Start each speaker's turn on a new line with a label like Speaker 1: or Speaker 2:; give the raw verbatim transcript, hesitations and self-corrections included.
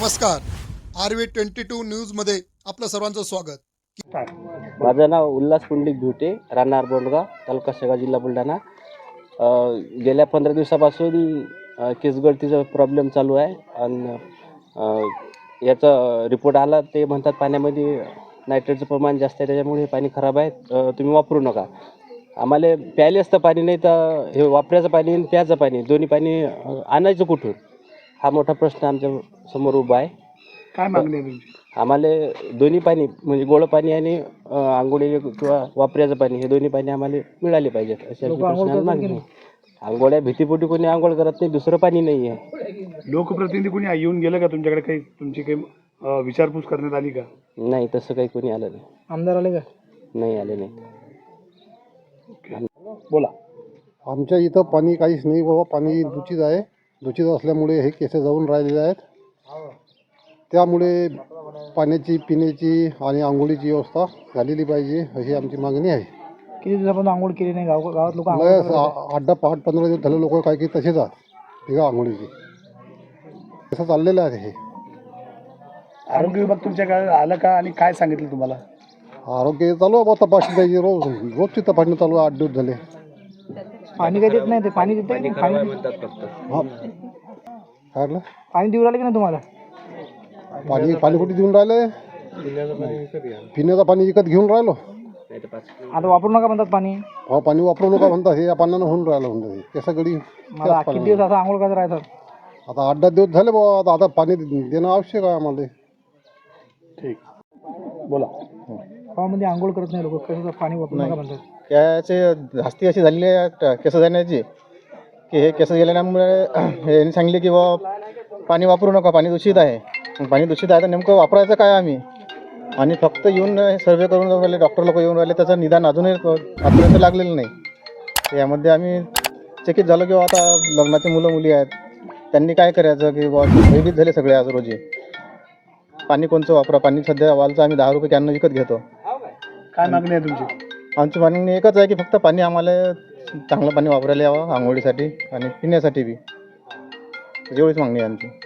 Speaker 1: नमस्कार. R V twenty two न्यूजमध्ये आपलं सर्वांचं स्वागत.
Speaker 2: माझं नाव उल्हास पुंडलिक भिवटे, राहणार बोंडगाव, तालुका शेगाव, जिल्हा बुलढाणा. अ, गेल्या पंधरा दिवसापासून अ, केस गळतीचा प्रॉब्लेम चालू आहे आणि अ, याचा रिपोर्ट आला. ते म्हणतात पाण्यामध्ये नायट्रेटचं प्रमाण जास्त आहे, त्याच्यामुळे हे पाणी खराब आहे, अ, तुम्ही वापरू नका. आम्हाला प्यायले असतं पाणी, नाही तर हे वापरायचं पाणी आणि प्यायचं पाणी दोन्ही पाणी अ, आणायचं कुठून, हा मोठा प्रश्न आमच्या समोर उभा आहे.
Speaker 3: काय मागणी आहे तुमची?
Speaker 2: आम्हाला दोन्ही पाणी म्हणजे गोड पाणी आणि अ, आंघोळी किंवा वापरायचं पाणी हे दोन्ही पाणी आम्हाला मिळाले पाहिजेत, अशा प्रश्नाला मागणी आहे. आंघोळ्या भीतीपोटी कोणी आंघोळ करत नाही, दुसरं पाणी नाही आहे.
Speaker 3: लोकप्रतिनिधी कोणी येऊन गेलं का तुमच्याकडे? काही तुमची काही अं, विचारपूस करण्यात आली का?
Speaker 2: नाही, तसं काही कोणी आलं नाही.
Speaker 3: आमदार आले का?
Speaker 2: नाही आले नाही.
Speaker 3: बोला.
Speaker 4: आमच्या इथं पाणी काहीच नाही बाबा. पाणी दूषित आहे. दूषित असल्यामुळे हे केस जाऊन राहिलेले आहेत. त्यामुळे पाण्याची, पिण्याची आणि आंघोळीची व्यवस्था झालेली पाहिजे, अशी आमची मागणी आहे.
Speaker 3: किती दिवसापासून आंघोळ केली नाही? गाव गावात लोक
Speaker 4: लय आठ दहा पाच पंधरा दिवस झाले लोक काही काही तसेच आहेत बिगा आंघोळीची. असं चाललेलं आहे हे.
Speaker 3: आरोग्य विभाग तुमच्याकडे आलं का आणि काय सांगितलं तुम्हाला?
Speaker 4: आरोग्य चालू आहे बा, तपासणी पाहिजे रोज. रोजची तपासणी चालू आहे. आठ दिवस झाले.
Speaker 3: पाणी काही देत नाही ते? पाणी देते
Speaker 2: पाणी खराब आहे म्हणतात फक्त.
Speaker 4: हां, काय म्हटलं?
Speaker 3: पाणी देऊ राहिले की नाही तुम्हाला?
Speaker 4: पाणी पाणी कुठे देऊन राहिले? पिण्याचं पाणी विकत घेऊन राहिलो.
Speaker 2: नाही तर पाच
Speaker 3: आता वापरू नका म्हणतात पाणी.
Speaker 4: हा, पाणी वापरू नका म्हणतात. हे या पाण्यानं होऊन राहिलं म्हणतात. हे केसा गडी
Speaker 3: मला किती दिवस असं आंघोळ करत राहतात?
Speaker 4: आता आठ दहा दिवस झाले बाबा. आता आता पाणी देणं आवश्यक आहे आम्हाला.
Speaker 3: ठीक, बोला. गावामध्ये आंघोळ करत नाही लोक, कसं पाणी वापरू नका म्हणतात?
Speaker 5: त्याचे जास्ती अशी झालेली आहे केस जाण्याची की हे केस गेल्यामुळे यांनी सांगले की बा पाणी वापरू नका, पाणी दूषित आहे. पाणी दूषित आहे तर नेमकं वापरायचं काय आम्ही? आणि फक्त येऊन सर्वे करून जाऊन राहिले, डॉक्टर लोक येऊन राहिले, त्याचं निदान अजूनही आतापर्यंत लागलेलं नाही. यामध्ये आम्ही चकित झालो की आता लग्नाचे मुलं मुली आहेत, त्यांनी काय करायचं की बा भयभीत झाले सगळे आज रोजी. पाणी कोणचं वापरा? पाणी सध्या वालचं आम्ही दहा रुपये कॅननं विकत घेतो.
Speaker 3: काय मागणी आहे तुमची?
Speaker 5: आमची मागणी एकच आहे की फक्त पाणी आम्हाला चांगलं पाणी वापरायला यावं, आंघोळीसाठी आणि पिण्यासाठी बी. एवढीच मागणी आहे आमची.